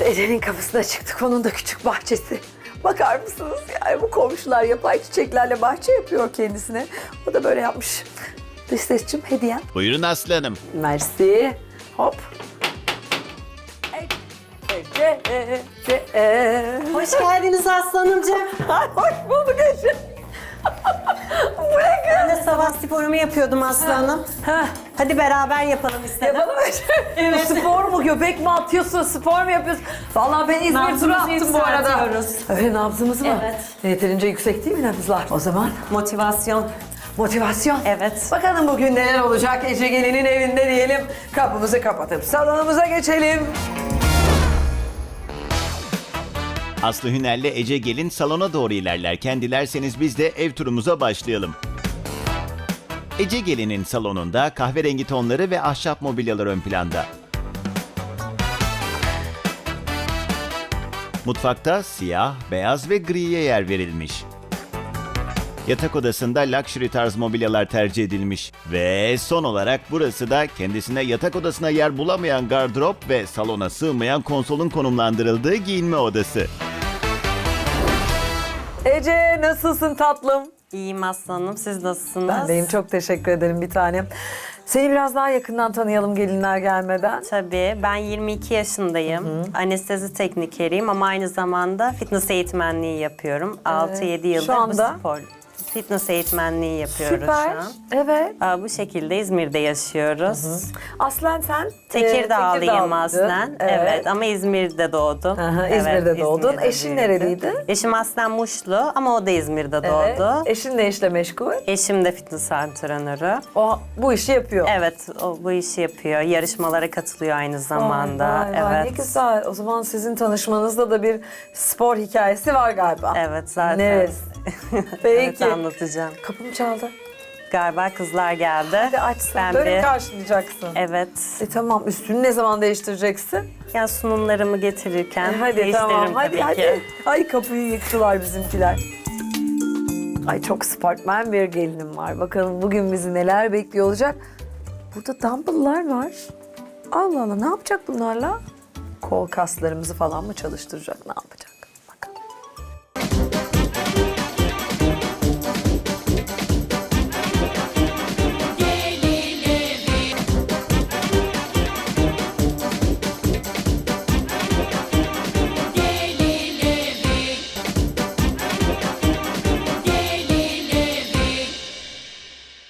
Ece'nin kapısına çıktık. Onun da küçük bahçesi. Bakar mısınız? Yani bu komşular yapay çiçeklerle bahçe yapıyor kendisine. O da böyle yapmış. Dış sesçim hediyem. Buyurun Aslı Hanım. Mersi. Hop. Ece. Hoş geldiniz Aslanımcığım. Hoş bulduk Ece. Ben de sabah sporumu yapıyordum Aslanım. Heh. Hadi beraber yapalım istedim. Yapalım Ece. Evet. Spor mu, göbek mi atıyorsun, spor mu yapıyorsun? Vallahi ben İzmir turu Nabzımızı attım bu arada. yükseltiyoruz. Öyle nabzımız mı? Evet. Yeterince yüksek değil mi nabızlar? O zaman Motivasyon. motivasyon. Evet. Bakalım bugün neler olacak Ece Gelin'in evinde diyelim. Kapımızı kapatıp salonumuza geçelim. Aslı Hüner'le Ece Gelin salona doğru ilerlerken dilerseniz biz de ev turumuza başlayalım. Ece Gelin'in salonunda kahverengi tonları ve ahşap mobilyalar ön planda. Mutfakta siyah, beyaz ve griye yer verilmiş. Yatak odasında luxury tarz mobilyalar tercih edilmiş. Ve son olarak burası da kendisine yatak odasına yer bulamayan gardırop ve salona sığmayan konsolun konumlandırıldığı giyinme odası. Ece nasılsın tatlım? İyiyim Aslanım. Siz nasılsınız? Ben deyim, çok teşekkür ederim bir tanem. Seni biraz daha yakından tanıyalım gelinler gelmeden. Tabii. Ben 22 yaşındayım. Anestezi teknikeriyim ama aynı zamanda fitness eğitmenliği yapıyorum. 6-7 yıldır Şu anda? bu spor. Fitness eğitmenliği yapıyoruz Süper. şu an. Evet. Bu şekilde İzmir'de yaşıyoruz. Aslen sen? Tekirdağlıyım Tekirdağlıydın. aslen. Evet. Ama İzmir'de doğdum. Aha, Evet, İzmir'de doğdun. İzmir'de Eşin büyüdüm. nereliydi? Eşim aslen Muşlu ama o da İzmir'de Evet. doğdu. Eşin ne işle meşgul? Eşim de fitness antrenörü. O bu işi yapıyor. Evet, o bu işi yapıyor. Yarışmalara katılıyor aynı zamanda. Vay, vay, Evet. ne güzel. O zaman sizin tanışmanızda da bir spor hikayesi var galiba. Evet, zaten. Neresi? Evet, Peki. anlatacağım. Kapım çaldı. Galiba kızlar geldi. Hadi açsın. Ben Böyle mi bir- karşılayacaksın? Evet. Tamam. Üstünü ne zaman değiştireceksin? Yani sunumlarımı getirirken Hadi değiştiririm tamam. Hadi tabii hadi. ki. Ay kapıyı yıktılar bizimkiler. Ay çok sportman bir gelinim var. Bakalım bugün bizi neler bekliyor olacak. Burada dumbbell'lar var. Allah Allah, ne yapacak bunlarla? Kol kaslarımızı falan mı çalıştıracak, ne yapacak?